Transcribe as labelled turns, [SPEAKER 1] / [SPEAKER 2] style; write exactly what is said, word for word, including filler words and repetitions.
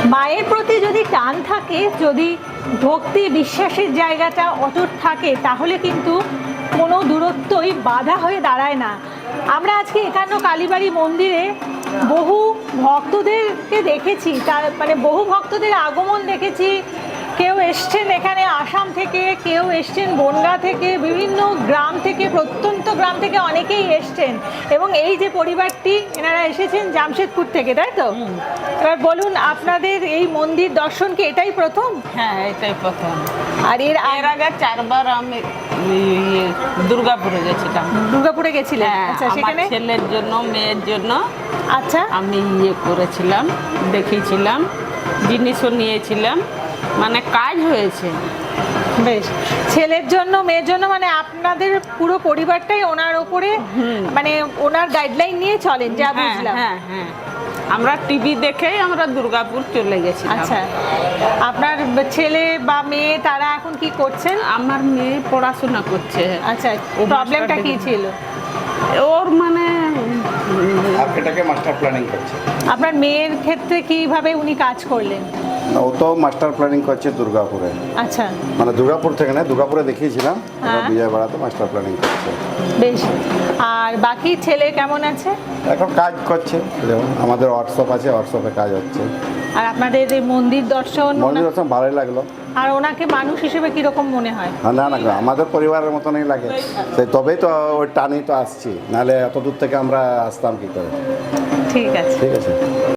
[SPEAKER 1] মায়ের প্রতি যদি টান থাকে, যদি ভক্তি বিশ্বাসের জায়গাটা অটুট থাকে, তাহলে কিন্তু কোনো দূরত্বই বাধা হয়ে দাঁড়ায় না। আমরা আজকে একান্ন কালীবাড়ি মন্দিরে বহু ভক্তদেরকে দেখেছি, তার মানে বহু ভক্তদের আগমন দেখেছি। কেউ এসছেন এখানে আসাম থেকে, কেউ এসছেন বনগাঁ থেকে, বিভিন্ন গ্রাম থেকে, প্রত্যন্ত গ্রাম থেকে অনেকেই এসছেন। এবং এই যে পরিবারটি, এনারা এসেছেন জামশেদপুর থেকে, তাই তো? এবার বলুন, আপনাদের এই মন্দির দর্শন কি এটাই প্রথম?
[SPEAKER 2] হ্যাঁ, এটাই প্রথম।
[SPEAKER 1] আর এর
[SPEAKER 2] এর আগে চারবার আমি ইয়ে দুর্গাপুরে গেছিলাম।
[SPEAKER 1] দুর্গাপুরে গেছিলেন?
[SPEAKER 2] হ্যাঁ,
[SPEAKER 1] আচ্ছা,
[SPEAKER 2] আমার
[SPEAKER 1] সেখানে
[SPEAKER 2] ছেলের জন্য, মেয়ের জন্য
[SPEAKER 1] আচ্ছা
[SPEAKER 2] আমি ইয়ে করেছিলাম, দেখিয়েছিলাম, জিনিসও নিয়েছিলাম, মানে কাজ হয়েছে।
[SPEAKER 1] বেশ, ছেলের জন্য মেয়ের জন্য, মানে আপনাদের পুরো পরিবারটাই ওনার উপরে, মানে ওনার গাইডলাইন নিয়ে চলেন, যা
[SPEAKER 2] হ্যাঁ
[SPEAKER 1] বুঝলাম।
[SPEAKER 2] হ্যাঁ হ্যাঁ, আমরা টিভি দেখেই আমরা দুর্গাপুর চলে গেছি।
[SPEAKER 1] আচ্ছা, আপনার ছেলে বা মেয়ে তারা এখন কি করছেন?
[SPEAKER 2] আমার মেয়ে পড়াশোনা করছে।
[SPEAKER 1] আচ্ছা,
[SPEAKER 2] ও
[SPEAKER 1] প্রবলেমটা
[SPEAKER 2] master
[SPEAKER 1] কি
[SPEAKER 2] degree-
[SPEAKER 1] ছিল?
[SPEAKER 2] ওর মানে
[SPEAKER 3] আর্কিটেক্টে মাস্টার প্ল্যানিং করছে।
[SPEAKER 1] আপনার মেয়ের ক্ষেত্রে কিভাবে উনি কাজ করলেন?
[SPEAKER 3] না, ও তো মাস্টার প্ল্যানিং করছে দুর্গাপুরে,
[SPEAKER 1] আচ্ছা,
[SPEAKER 3] মানে দুর্গাপুর থেকে না, দুর্গাপুরে দেখিয়েছিলাম,
[SPEAKER 1] হ্যাঁ।
[SPEAKER 3] বিজয়বাড়াতে মাস্টার প্ল্যানিং করছে।
[SPEAKER 1] বেশ। আর বাকি ছেলে কেমন আছে?
[SPEAKER 3] এখন কাজ করছে, যেমন আমাদের হোয়াটসঅ্যাপ আছে, হোয়াটসঅ্যাপে কাজ হচ্ছে।
[SPEAKER 1] আর আপনাদের এই মন্দির দর্শন,
[SPEAKER 3] মন্দির দর্শন ভালোই লাগলো।
[SPEAKER 1] আর ওনাকে মানুষ হিসেবে কিরকম মনে হয়?
[SPEAKER 3] হ্যাঁ, না না, আমাদের পরিবারের মতনই লাগে, সেই তবেই তো ওই টানেই তো আসছি, নাহলে এত দূর থেকে আমরা আসতাম কী করে।
[SPEAKER 1] ঠিক আছে।
[SPEAKER 3] ঠিক আছে।